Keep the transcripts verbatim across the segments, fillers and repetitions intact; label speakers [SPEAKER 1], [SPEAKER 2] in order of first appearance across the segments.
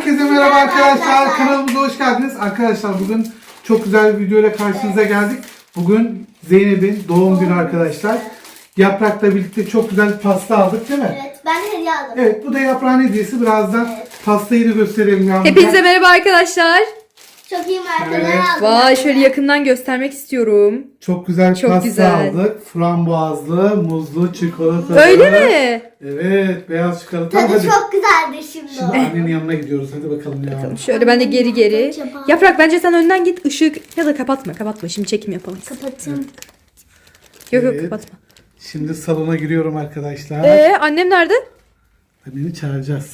[SPEAKER 1] Herkese merhaba arkadaşlar. Kanalımıza hoş geldiniz. Arkadaşlar bugün çok güzel bir video ile karşınıza geldik. Bugün Zeynep'in doğum günü arkadaşlar. Yaprak'la birlikte çok güzel bir pasta aldık değil mi?
[SPEAKER 2] Evet, ben hediye aldım.
[SPEAKER 1] Evet, bu da Yaprak'ın hediyesi. Birazdan
[SPEAKER 2] Evet.
[SPEAKER 1] pastayı da gösterelim ya.
[SPEAKER 3] Hepinize merhaba arkadaşlar.
[SPEAKER 2] Çok iyi markalar
[SPEAKER 1] Evet.
[SPEAKER 2] aldım.
[SPEAKER 3] Vay şöyle yakından göstermek istiyorum.
[SPEAKER 1] Çok güzel
[SPEAKER 3] Çok
[SPEAKER 1] pasta
[SPEAKER 3] güzel.
[SPEAKER 1] aldık. Frambuazlı, muzlu, çikolatalı.
[SPEAKER 3] Öyle mi?
[SPEAKER 1] Evet, beyaz çikolata.
[SPEAKER 2] Tadı
[SPEAKER 1] Hadi.
[SPEAKER 2] çok güzeldi şimdi.
[SPEAKER 1] Şimdi annenin yanına gidiyoruz. Hadi bakalım ya.
[SPEAKER 3] Şöyle ben de geri geri.
[SPEAKER 2] Acaba?
[SPEAKER 3] Yaprak bence sen önden git, ışık ya da kapatma kapatma, şimdi çekim yapalım.
[SPEAKER 2] Kapatın.
[SPEAKER 3] Yok yok
[SPEAKER 1] Evet.
[SPEAKER 3] kapatma.
[SPEAKER 1] Şimdi salona giriyorum arkadaşlar.
[SPEAKER 3] Ee annem nerede?
[SPEAKER 1] Anneni çağıracağız.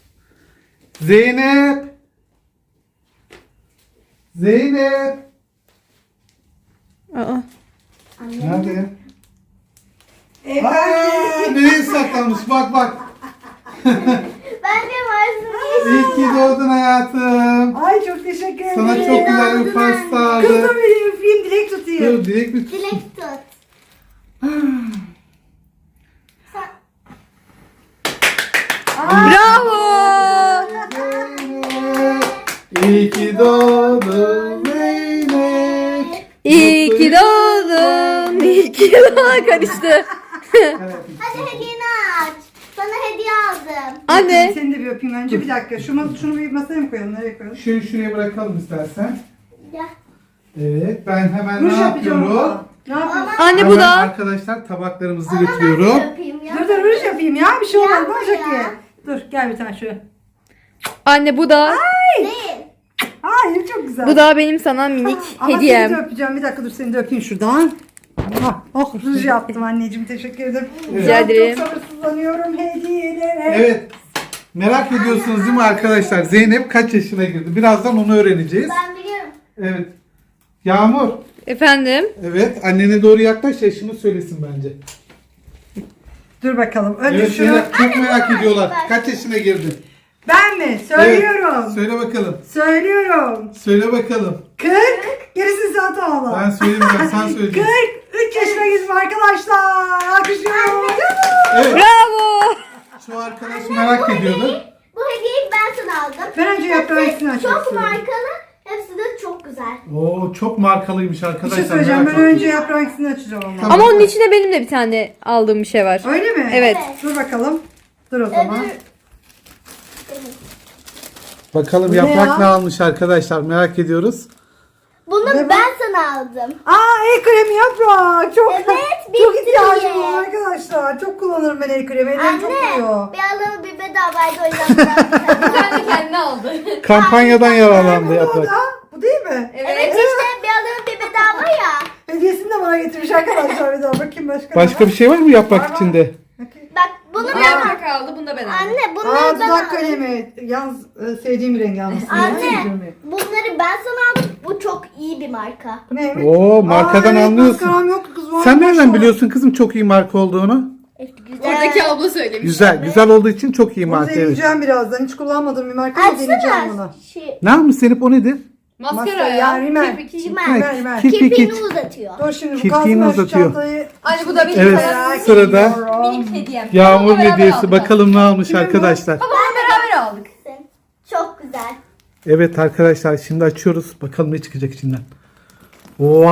[SPEAKER 1] Zeynep! Zeynep!
[SPEAKER 3] Aa.
[SPEAKER 1] Nerede? Aa, nereye saklanmış? Bak bak.
[SPEAKER 2] Ben de varsın.
[SPEAKER 1] İyi ki doğdun hayatım.
[SPEAKER 4] Ay çok teşekkür ederim.
[SPEAKER 1] Sana çok güzel bir pasta
[SPEAKER 4] Kızım
[SPEAKER 1] aldım.
[SPEAKER 4] benim öpeyim, dilek tutayım.
[SPEAKER 1] Dur, dilek mi?
[SPEAKER 2] Dilek tut.
[SPEAKER 3] Bravo.
[SPEAKER 1] Zeynep! İyi ki doğdun Zeynep.
[SPEAKER 3] İyi ki doğdun. İyi ki doğdun. Karıştı.
[SPEAKER 1] Evet.
[SPEAKER 2] Hadi hediyeni aç. Sana hediye aldım.
[SPEAKER 3] Anne.
[SPEAKER 4] Seni de bir öpeyim önce. Bir dakika. Şunu, şunu bir masaya mı koyalım? Nereye koyalım?
[SPEAKER 1] Şunu şuraya bırakalım istersen.
[SPEAKER 2] Gel.
[SPEAKER 1] Evet, ben hemen
[SPEAKER 4] Ruj
[SPEAKER 1] ne
[SPEAKER 4] yapacağım.
[SPEAKER 1] yapıyorum?
[SPEAKER 4] ama. Ne yapıyorsun?
[SPEAKER 3] Anne bu
[SPEAKER 1] Hemen
[SPEAKER 3] da.
[SPEAKER 1] arkadaşlar tabaklarımızı
[SPEAKER 2] Ama ben
[SPEAKER 1] götürüyorum.
[SPEAKER 2] de yapayım ya.
[SPEAKER 4] Dur dur ruj yapayım ya. Bir şey olmaz.
[SPEAKER 2] Yapma
[SPEAKER 4] Ne olacak
[SPEAKER 2] ya.
[SPEAKER 4] ki? Dur gel bir tane şöyle.
[SPEAKER 3] Anne bu da.
[SPEAKER 2] Değil.
[SPEAKER 4] Hayır çok güzel.
[SPEAKER 3] Bu da benim sana minik
[SPEAKER 4] Ama seni de
[SPEAKER 3] hediyem.
[SPEAKER 4] öpeceğim. Bir dakika dur seni de öpeyim şuradan. Ah, oh ruj yaptım anneciğim. Teşekkür ederim.
[SPEAKER 3] Rica ederim.
[SPEAKER 4] Çok sabırsızlanıyorum hediyelere.
[SPEAKER 1] Evet. Merak ediyorsunuz değil mi arkadaşlar? Zeynep kaç yaşına girdi? Birazdan onu öğreneceğiz.
[SPEAKER 2] Ben biliyorum.
[SPEAKER 1] Evet. Yağmur.
[SPEAKER 3] Efendim?
[SPEAKER 1] Evet. Annene doğru yaklaş, yaşını söylesin bence.
[SPEAKER 4] Dur bakalım. Önce
[SPEAKER 1] Evet,
[SPEAKER 4] şunu.
[SPEAKER 1] Zeynep çok merak
[SPEAKER 2] bunu
[SPEAKER 1] ediyorlar.
[SPEAKER 2] aç,
[SPEAKER 1] Kaç yaşına girdin?
[SPEAKER 4] Ben mi? Söylüyorum.
[SPEAKER 1] Evet. Söyle bakalım.
[SPEAKER 4] Söylüyorum.
[SPEAKER 1] Söyle bakalım.
[SPEAKER 4] kırk. Gerisini sen tamamla.
[SPEAKER 1] Ben söylemeyeceğim. Sen söyleyeceksin.
[SPEAKER 4] kırk üç yaşına girdim arkadaşlar. Alkışlıyorum.
[SPEAKER 1] Evet.
[SPEAKER 3] Bravo.
[SPEAKER 1] Şu arkadaş merak ediyordu.
[SPEAKER 2] Bu hediyeyi ben sana aldım.
[SPEAKER 4] Ben önce yaprağı ikisini açmak
[SPEAKER 2] Çok
[SPEAKER 4] istiyorum.
[SPEAKER 2] markalı. Hepsi de çok güzel.
[SPEAKER 1] Oo, çok markalıymış
[SPEAKER 4] Bir
[SPEAKER 1] arkadaşlar.
[SPEAKER 4] şey söyleyeceğim.
[SPEAKER 1] merak
[SPEAKER 4] Ben
[SPEAKER 1] ettim.
[SPEAKER 4] önce yaprağı ikisini açacağım ama.
[SPEAKER 1] Tamam.
[SPEAKER 3] Ama onun içine benim de bir tane aldığım bir şey var.
[SPEAKER 4] Öyle mi?
[SPEAKER 3] Evet.
[SPEAKER 4] Dur bakalım. Dur o zaman.
[SPEAKER 2] Öbür...
[SPEAKER 1] Bakalım
[SPEAKER 4] Bu ne
[SPEAKER 1] yaprak
[SPEAKER 4] ya?
[SPEAKER 1] ne almış arkadaşlar, merak ediyoruz.
[SPEAKER 2] Bunu
[SPEAKER 4] Ne bu?
[SPEAKER 2] ben sana aldım.
[SPEAKER 4] Aa el kremi yaprak. Çok
[SPEAKER 2] Evet,
[SPEAKER 4] çok
[SPEAKER 2] bitti
[SPEAKER 4] ihtiyacım
[SPEAKER 2] diye.
[SPEAKER 4] var arkadaşlar. Çok kullanırım ben el kremi. Ellerim çok
[SPEAKER 2] Anne,
[SPEAKER 4] kuruyor.
[SPEAKER 2] bir alalım bir bedavaydı o yüzden biraz
[SPEAKER 3] Kendi kendine aldı.
[SPEAKER 1] Kampanyadan yararlandı
[SPEAKER 4] Bu da o
[SPEAKER 1] yaprak.
[SPEAKER 4] da. Bu değil mi?
[SPEAKER 2] Evet işte bir alalım bir bedava ya.
[SPEAKER 4] Hediyesini de bana getirmiş arkadaşlar. Bir daha bakayım başka. ne
[SPEAKER 1] Başka
[SPEAKER 4] var?
[SPEAKER 1] bir şey var mı yaprak
[SPEAKER 4] Var, var.
[SPEAKER 1] içinde?
[SPEAKER 4] Bakayım.
[SPEAKER 2] Bak bunu ben
[SPEAKER 3] Yaprak aldı, bunu da ben aldım.
[SPEAKER 2] Anne bunları
[SPEAKER 4] Aa
[SPEAKER 2] ben
[SPEAKER 4] dudak
[SPEAKER 2] aldım.
[SPEAKER 4] kalemi. Yalnız e, sevdiğim bir renk yalnız.
[SPEAKER 2] Anne bunları ben sana aldım. Bu çok iyi bir marka.
[SPEAKER 4] Bu neymiş?
[SPEAKER 1] Oo, markadan
[SPEAKER 4] Aa, evet,
[SPEAKER 1] anlıyorsun.
[SPEAKER 4] maskaram yoktu kız. var.
[SPEAKER 1] Sen nereden
[SPEAKER 4] Maşallah.
[SPEAKER 1] biliyorsun kızım çok iyi marka olduğunu?
[SPEAKER 2] Güzel.
[SPEAKER 3] Oradaki abla söylemiş.
[SPEAKER 1] Güzel, güzel olduğu için çok iyi
[SPEAKER 4] Bunu
[SPEAKER 1] marka evet.
[SPEAKER 4] deneyeceğim birazdan. Hiç kullanmadığım bir marka ama deneyeceğim bunu.
[SPEAKER 2] Açsana. Şey,
[SPEAKER 1] Ne yapmış Zeynep, o nedir?
[SPEAKER 3] Maskara
[SPEAKER 4] Maskara
[SPEAKER 3] ya.
[SPEAKER 4] ya, rimel.
[SPEAKER 3] Kirpik.
[SPEAKER 2] Rimel.
[SPEAKER 4] Rimer, rimer.
[SPEAKER 1] Kirpik
[SPEAKER 2] kirpiğini
[SPEAKER 1] iç.
[SPEAKER 2] uzatıyor.
[SPEAKER 4] Dur şimdi bu
[SPEAKER 1] Kirpiğini
[SPEAKER 4] kalsın ben şu
[SPEAKER 1] uzatıyor.
[SPEAKER 4] çantayı.
[SPEAKER 3] Anne bu da benim
[SPEAKER 1] Evet,
[SPEAKER 3] sana
[SPEAKER 1] sırada
[SPEAKER 3] minik hediyem.
[SPEAKER 1] Yağmur
[SPEAKER 3] Onunla beraber
[SPEAKER 1] hediyesi.
[SPEAKER 3] aldık.
[SPEAKER 1] Bakalım ne almış
[SPEAKER 4] Kimin bu?
[SPEAKER 1] arkadaşlar.
[SPEAKER 3] Ama onu beraber aldık.
[SPEAKER 2] Çok güzel.
[SPEAKER 1] Evet arkadaşlar, şimdi açıyoruz. Bakalım ne çıkacak içinden. Wow.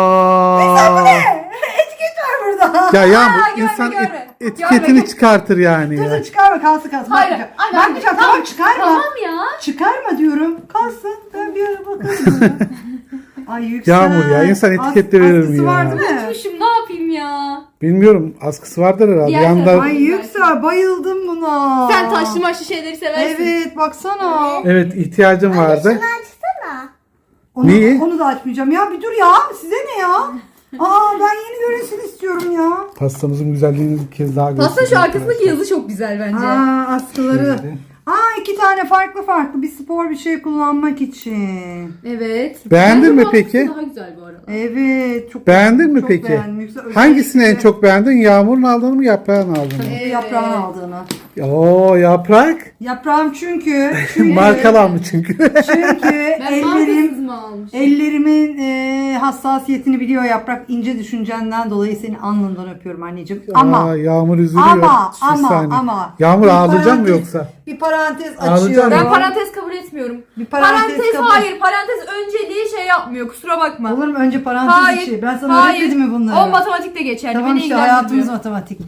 [SPEAKER 4] Etiket var burada.
[SPEAKER 1] Ya Yağmur,
[SPEAKER 3] Aa, görme,
[SPEAKER 1] insan et-
[SPEAKER 3] görme.
[SPEAKER 1] etiketini
[SPEAKER 3] Görme.
[SPEAKER 1] çıkartır yani
[SPEAKER 4] Dur
[SPEAKER 1] ya.
[SPEAKER 4] dur çıkarma kalsın kalsın.
[SPEAKER 3] Hayır,
[SPEAKER 4] Bakmayacağım.
[SPEAKER 3] anne, anne,
[SPEAKER 4] Bakmayacağım
[SPEAKER 3] tamam,
[SPEAKER 4] tamam çıkarma.
[SPEAKER 3] Tamam ya.
[SPEAKER 4] Çıkarma diyorum. Kalsın. Ben bir ara bakarım. Ay yüksel.
[SPEAKER 1] Yağmur ya, insan etikette
[SPEAKER 4] As-
[SPEAKER 1] verir mi
[SPEAKER 4] askısı
[SPEAKER 1] ya?
[SPEAKER 4] var değil mi?
[SPEAKER 3] Unutmuşum, ne yapayım ya?
[SPEAKER 1] Bilmiyorum, askısı vardır herhalde.
[SPEAKER 3] Diğer
[SPEAKER 1] Yanında
[SPEAKER 3] tarafı-
[SPEAKER 4] Ay yüksel bayıldım buna.
[SPEAKER 3] Sen taşlı maşlı şeyleri seversin.
[SPEAKER 4] Evet baksana.
[SPEAKER 1] evet ihtiyacım vardı.
[SPEAKER 2] Şunu açsana.
[SPEAKER 4] Onu,
[SPEAKER 1] Neyi?
[SPEAKER 4] onu da açmayacağım. Ya bir dur ya. Size ne ya? Aa ben yeni görünsün istiyorum ya.
[SPEAKER 1] Pastamızın güzelliğini bir kez daha
[SPEAKER 3] Aslında şu
[SPEAKER 1] göstereyim
[SPEAKER 3] arkasındaki
[SPEAKER 1] arkadaşlar.
[SPEAKER 3] yazı çok güzel bence.
[SPEAKER 4] Aa askıları.
[SPEAKER 1] Şöyle.
[SPEAKER 4] Aa iki tane farklı farklı bir spor bir şey kullanmak için.
[SPEAKER 3] Evet.
[SPEAKER 1] Beğendin
[SPEAKER 3] Bence
[SPEAKER 1] mi
[SPEAKER 3] bu
[SPEAKER 1] peki?
[SPEAKER 3] arkası Daha güzel bu arada.
[SPEAKER 4] Evet. Çok
[SPEAKER 1] Beğendin mi
[SPEAKER 4] çok
[SPEAKER 1] peki?
[SPEAKER 4] beğendim. Yüksel-
[SPEAKER 1] Hangisini en
[SPEAKER 4] özellikle
[SPEAKER 1] çok beğendin? Yağmur'un aldığını mı, yaprağın aldığını mı?
[SPEAKER 4] Yaprağın aldığını.
[SPEAKER 1] Oo yaprak.
[SPEAKER 4] Yaprağım çünkü. çünkü
[SPEAKER 1] Markalandı çünkü.
[SPEAKER 4] Çünkü
[SPEAKER 3] Ben
[SPEAKER 4] ellerim
[SPEAKER 3] markasız mı almış?
[SPEAKER 4] ellerimin e, hassasiyetini biliyor Yaprak. İnce düşüncenden dolayı seni alnından öpüyorum anneciğim. Ama
[SPEAKER 1] Aa, Yağmur üzülüyor.
[SPEAKER 4] ama
[SPEAKER 1] Bir
[SPEAKER 4] ama
[SPEAKER 1] saniye.
[SPEAKER 4] ama
[SPEAKER 1] Yağmur
[SPEAKER 4] bir
[SPEAKER 1] ağlayacak mı
[SPEAKER 4] parantez-
[SPEAKER 1] yoksa?
[SPEAKER 4] Bir parantez
[SPEAKER 1] Ağlayacak
[SPEAKER 4] açıyorum.
[SPEAKER 1] mı?
[SPEAKER 3] Ben parantez kabul etmiyorum.
[SPEAKER 4] Bir parantez
[SPEAKER 3] Parantez,
[SPEAKER 4] kabul-
[SPEAKER 3] hayır. Parantez önceliği şey yapmıyor. Kusura bakma.
[SPEAKER 4] Olur mu önce parantez
[SPEAKER 3] Hayır.
[SPEAKER 4] içi? Ben sana
[SPEAKER 3] hayır.
[SPEAKER 4] öğretmedim mi bunları?
[SPEAKER 3] O matematikte geçerli.
[SPEAKER 4] Tamam
[SPEAKER 3] Beni
[SPEAKER 4] işte hayatımız
[SPEAKER 3] ilgilendirmiyor.
[SPEAKER 4] matematik.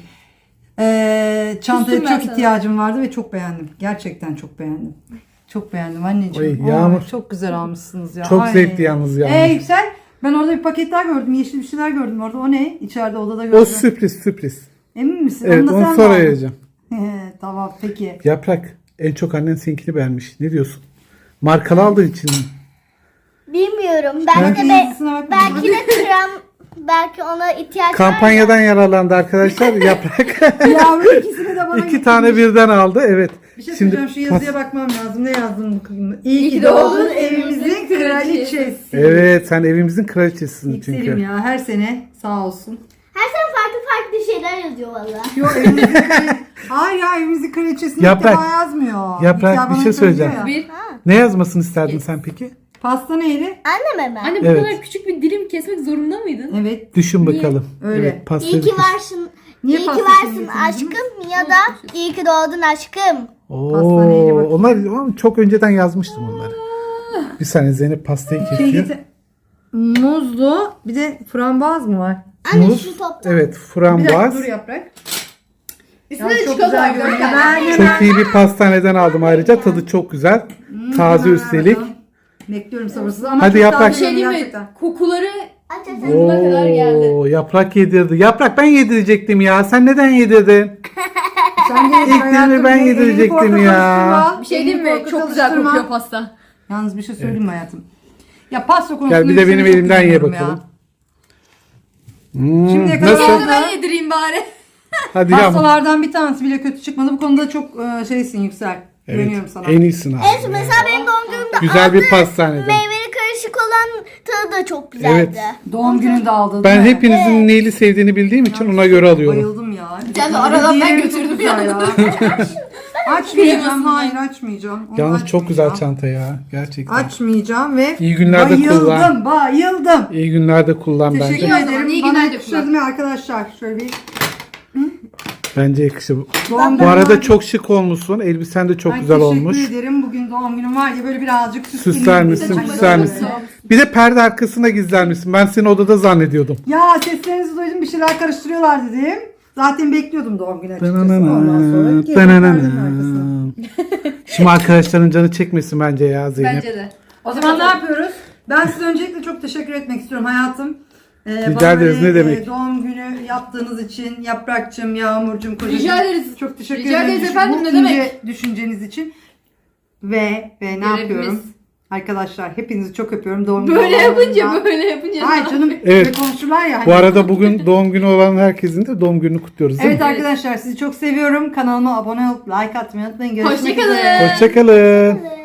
[SPEAKER 4] Ee, çantaya
[SPEAKER 3] Küstüm ben
[SPEAKER 4] çok
[SPEAKER 3] sana.
[SPEAKER 4] ihtiyacım vardı ve çok beğendim. Gerçekten çok beğendim. Çok beğendim anneciğim.
[SPEAKER 1] Oy,
[SPEAKER 4] Oo,
[SPEAKER 1] Yağmur.
[SPEAKER 4] çok güzel almışsınız ya.
[SPEAKER 1] Çok
[SPEAKER 4] Ay.
[SPEAKER 1] zevkli yalnız Yağmur.
[SPEAKER 4] Ee Yüksel, ben orada bir paketler gördüm. Yeşil bir şeyler gördüm orada. O ne? İçeride odada gördüm.
[SPEAKER 1] O sürpriz sürpriz.
[SPEAKER 4] Emin misin?
[SPEAKER 1] Evet
[SPEAKER 4] da
[SPEAKER 1] onu
[SPEAKER 4] sen
[SPEAKER 1] sonra
[SPEAKER 4] mi aldın?
[SPEAKER 1] vereceğim.
[SPEAKER 4] He, tamam peki.
[SPEAKER 1] Yaprak en çok annen seninkini beğenmiş. Ne diyorsun? Markalı aldığın için mi?
[SPEAKER 2] Bilmiyorum. Belki
[SPEAKER 4] Belki
[SPEAKER 2] de be,
[SPEAKER 4] yazısına bakma.
[SPEAKER 2] belki de krem belki ona ihtiyaç
[SPEAKER 1] Kampanyadan yararlandı arkadaşlar. Yaprak
[SPEAKER 4] Yavrum ikisini de bana
[SPEAKER 1] iki
[SPEAKER 4] getirmiş.
[SPEAKER 1] tane birden aldı. Evet.
[SPEAKER 4] Bir şey söyleyeceğim, şu yazıya bakmam lazım. Ne yazdım bu kıyımda? İyi ki doğdun evimizin kraliçesi.
[SPEAKER 1] Evet sen evimizin kraliçesisin
[SPEAKER 4] Yükselim
[SPEAKER 1] çünkü.
[SPEAKER 4] ya her sene sağ olsun.
[SPEAKER 2] Her sene farklı farklı şeyler yazıyor valla.
[SPEAKER 4] Yok evimizin kraliçesi. Hayır ya evimizin kraliçesini
[SPEAKER 1] Yaprak.
[SPEAKER 4] ilk defa yazmıyor.
[SPEAKER 1] Yaprak,
[SPEAKER 4] İlk defa
[SPEAKER 1] bir şey
[SPEAKER 4] bana
[SPEAKER 1] söyleyeceğim.
[SPEAKER 4] söylüyor ya.
[SPEAKER 3] Bir.
[SPEAKER 1] Ne yazmasını isterdin sen peki?
[SPEAKER 4] Pasta neydi?
[SPEAKER 2] Anneme ben.
[SPEAKER 3] Anne bu
[SPEAKER 1] Evet.
[SPEAKER 3] kadar küçük bir dilim kesmek zorunda mıydın?
[SPEAKER 4] Evet.
[SPEAKER 1] Düşün
[SPEAKER 3] Niye?
[SPEAKER 1] bakalım.
[SPEAKER 4] Öyle.
[SPEAKER 1] Evet, pastayı
[SPEAKER 2] İyi ki
[SPEAKER 1] kes.
[SPEAKER 2] varsın.
[SPEAKER 4] Niye
[SPEAKER 2] iyi ki
[SPEAKER 4] pasta
[SPEAKER 2] varsın
[SPEAKER 4] getirdiniz?
[SPEAKER 2] aşkım ya da iyi ki doğdun aşkım.
[SPEAKER 4] Pasta neydi
[SPEAKER 1] Oo,
[SPEAKER 4] bakayım?
[SPEAKER 1] onlar onlar çok önceden yazmıştım onları. Bir saniye Zeynep pastayı
[SPEAKER 4] Şey
[SPEAKER 1] kesiyor.
[SPEAKER 4] getir. Muzlu bir de frambuaz mı var?
[SPEAKER 2] Anne
[SPEAKER 1] Muz,
[SPEAKER 2] şu toptan.
[SPEAKER 1] evet
[SPEAKER 4] Bir dakika
[SPEAKER 1] frambuaz.
[SPEAKER 4] dur Yaprak.
[SPEAKER 3] Üstüne
[SPEAKER 4] Ya
[SPEAKER 3] de
[SPEAKER 4] çok
[SPEAKER 3] çikolata
[SPEAKER 4] güzel
[SPEAKER 3] var.
[SPEAKER 4] görünüyor.
[SPEAKER 3] gördün mü?
[SPEAKER 4] Ben hemen-
[SPEAKER 1] Çok iyi bir pastaneden aldım ayrıca. Tadı çok güzel. Taze
[SPEAKER 4] hemen
[SPEAKER 1] üstelik.
[SPEAKER 4] bakalım. Bekliyorum sabırsız ama
[SPEAKER 1] Hadi
[SPEAKER 4] çok
[SPEAKER 1] Yaprak.
[SPEAKER 4] taze
[SPEAKER 3] Bir şey diyeyim mi?
[SPEAKER 4] gerçekten.
[SPEAKER 3] Kokuları
[SPEAKER 2] Aç aç aç.
[SPEAKER 3] burnuma kadar geldi.
[SPEAKER 1] Oo, yaprak yedirdi. Yaprak ben yedirecektim ya. Sen neden yedirdin?
[SPEAKER 4] Sen de
[SPEAKER 1] İlk dilimi ben
[SPEAKER 4] elini
[SPEAKER 1] yedirecektim
[SPEAKER 4] korkak
[SPEAKER 1] ya.
[SPEAKER 4] alıştırma.
[SPEAKER 3] Bir şey
[SPEAKER 4] Elini
[SPEAKER 3] diyeyim mi?
[SPEAKER 4] korkak
[SPEAKER 3] Çok güzel
[SPEAKER 4] alıştırma.
[SPEAKER 3] kokuyor pasta.
[SPEAKER 4] Yalnız bir şey söyleyeyim mi hayatım? Ya pasta konusunda
[SPEAKER 1] Gel bir de
[SPEAKER 4] Yüksel'e
[SPEAKER 1] benim
[SPEAKER 4] çok
[SPEAKER 1] elimden ye
[SPEAKER 4] güveniyorum ya.
[SPEAKER 1] bakalım. Hmm,
[SPEAKER 4] Şimdiye kadar
[SPEAKER 1] nasıl?
[SPEAKER 3] Sonra ben yedireyim bari.
[SPEAKER 1] Hadi Yağmur.
[SPEAKER 4] Pastalardan bir tanesi bile kötü çıkmadı. Bu konuda çok e, şeysin Yüksel.
[SPEAKER 1] Evet,
[SPEAKER 4] Güveniyorum sana.
[SPEAKER 1] en iyisin abi.
[SPEAKER 2] Evet mesela benim doğum günümde
[SPEAKER 1] Güzel bir
[SPEAKER 2] aldığım
[SPEAKER 1] pastaneden.
[SPEAKER 2] meyveli karışık olan tadı da çok güzeldi.
[SPEAKER 1] Evet.
[SPEAKER 4] Doğum gününde aldın.
[SPEAKER 1] Ben
[SPEAKER 4] değil mi?
[SPEAKER 1] hepinizin neyli sevdiğini bildiğim için ona göre alıyorum.
[SPEAKER 4] Bayıldım ya.
[SPEAKER 3] Sen de aradan ben
[SPEAKER 4] Diğeri
[SPEAKER 3] götürdüm
[SPEAKER 4] çok güzel
[SPEAKER 3] ya.
[SPEAKER 4] Açmayacağım.
[SPEAKER 3] Kıyamazsın
[SPEAKER 4] Hayır açmayacağım. Onu
[SPEAKER 1] Yalnız çok güzel
[SPEAKER 4] açmayacağım.
[SPEAKER 1] çanta ya. Gerçekten.
[SPEAKER 4] Açmayacağım ve
[SPEAKER 1] İyi günlerde
[SPEAKER 4] bayıldım,
[SPEAKER 1] kullan.
[SPEAKER 4] bayıldım.
[SPEAKER 1] İyi günlerde kullan
[SPEAKER 4] Teşekkür
[SPEAKER 1] bence.
[SPEAKER 3] İyi o zaman,
[SPEAKER 4] ederim.
[SPEAKER 3] iyi
[SPEAKER 4] Bana
[SPEAKER 3] günler de
[SPEAKER 4] yakıştırdı mı arkadaşlar? Şöyle bir
[SPEAKER 1] Bence yakışır.
[SPEAKER 4] doğum
[SPEAKER 1] Bu
[SPEAKER 4] günüm
[SPEAKER 1] arada
[SPEAKER 4] var.
[SPEAKER 1] çok şık olmuşsun. Elbisen de çok
[SPEAKER 4] Ay,
[SPEAKER 1] güzel olmuş.
[SPEAKER 4] Teşekkür ederim. Bugün doğum günüm var ya böyle birazcık süsleyeyim.
[SPEAKER 1] Süsler misin,
[SPEAKER 4] Çok
[SPEAKER 1] süsler
[SPEAKER 4] güzel.
[SPEAKER 1] misin? Bir de perde arkasına gizlenmişsin. Ben seni odada zannediyordum.
[SPEAKER 4] Ya seslerinizi duydum bir şeyler karıştırıyorlar dedim. Zaten bekliyordum doğum günü açıkçası. Ondan sonra
[SPEAKER 1] Dananana,
[SPEAKER 4] geldim perdenin arkasına.
[SPEAKER 1] dananana. Şimdi arkadaşların canı çekmesin bence ya Zeynep.
[SPEAKER 3] Bence de.
[SPEAKER 4] O zaman ne yapıyoruz? Ben size öncelikle çok teşekkür etmek istiyorum hayatım. Ee,
[SPEAKER 1] Rica
[SPEAKER 4] bana
[SPEAKER 1] ederiz,
[SPEAKER 4] böyle,
[SPEAKER 1] ne demek.
[SPEAKER 4] e, doğum günü yaptığınız için Yaprakçım, Yağmurcum, kocacığım.
[SPEAKER 3] Rica ederiz.
[SPEAKER 4] Çok teşekkür
[SPEAKER 3] Rica
[SPEAKER 4] ederim.
[SPEAKER 3] ederiz
[SPEAKER 4] Düşün-
[SPEAKER 3] efendim,
[SPEAKER 4] bu
[SPEAKER 3] ne demek?
[SPEAKER 4] ince düşünceniz için. Ve ve ne
[SPEAKER 3] Görevimiz.
[SPEAKER 4] yapıyorum? Arkadaşlar hepinizi çok öpüyorum. Doğum günü
[SPEAKER 3] Böyle yapınca
[SPEAKER 4] olanlarından-
[SPEAKER 3] böyle yapınca.
[SPEAKER 4] Hayır canım
[SPEAKER 1] Evet.
[SPEAKER 4] evet. konuşurlar ya.
[SPEAKER 1] Bu
[SPEAKER 4] hani.
[SPEAKER 1] arada bugün doğum günü olan herkesin de doğum gününü kutluyoruz değil
[SPEAKER 4] Evet
[SPEAKER 1] mi?
[SPEAKER 4] arkadaşlar sizi çok seviyorum. Kanalıma abone olup like atmayı unutmayın. Görüşmek
[SPEAKER 3] Hoşçakalın.
[SPEAKER 4] üzere.
[SPEAKER 1] Hoşçakalın.
[SPEAKER 2] Evet.